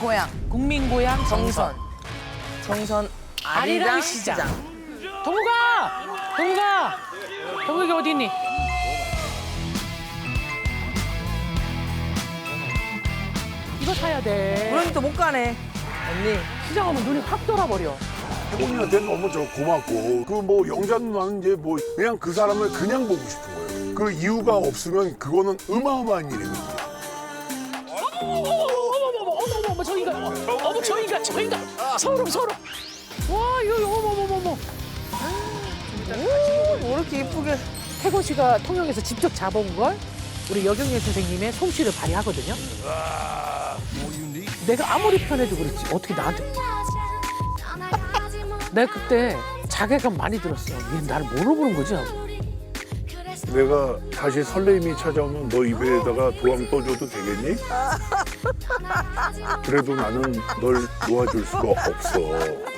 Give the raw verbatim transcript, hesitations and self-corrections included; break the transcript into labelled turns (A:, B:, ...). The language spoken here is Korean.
A: 고향
B: 국민 고향 정선.
A: 정선
B: 아리랑 시장. 동구가! 동구가! 동구가 어디 있니? 이거 사야 돼.
A: 우리는 또 못 가네 언니.
B: 시장 오면 눈이 확 돌아버려.
C: 혜봉이한테 너무 저 고맙고 그 뭐 영자 누나는 이제 뭐 그냥 그 사람을 그냥 보고 싶은 거예요. 그 이유가 없으면 그거는 어마어마한 일입니다.
B: 어머 어머 저 인간 어머 저 인간 저 인간 소름 소름 와 이거 어머 어머 어머
A: 뭐 이렇게 이쁘게.
B: 태곤 씨가 통영에서 직접 잡아온 걸 우리 여경련 선생님의 솜씨를 발휘하거든요. 내가 아무리 편해도 그렇지 어떻게 나한테 내가 그때 자괴감 많이 들었어. 얘 나를 뭐로 보는 거지 하고.
C: 내가 다시 설레임이 찾아오면 너 입에다가 도황 떠줘도 되겠니? 그래도 나는 널 놓아줄 수가 없어.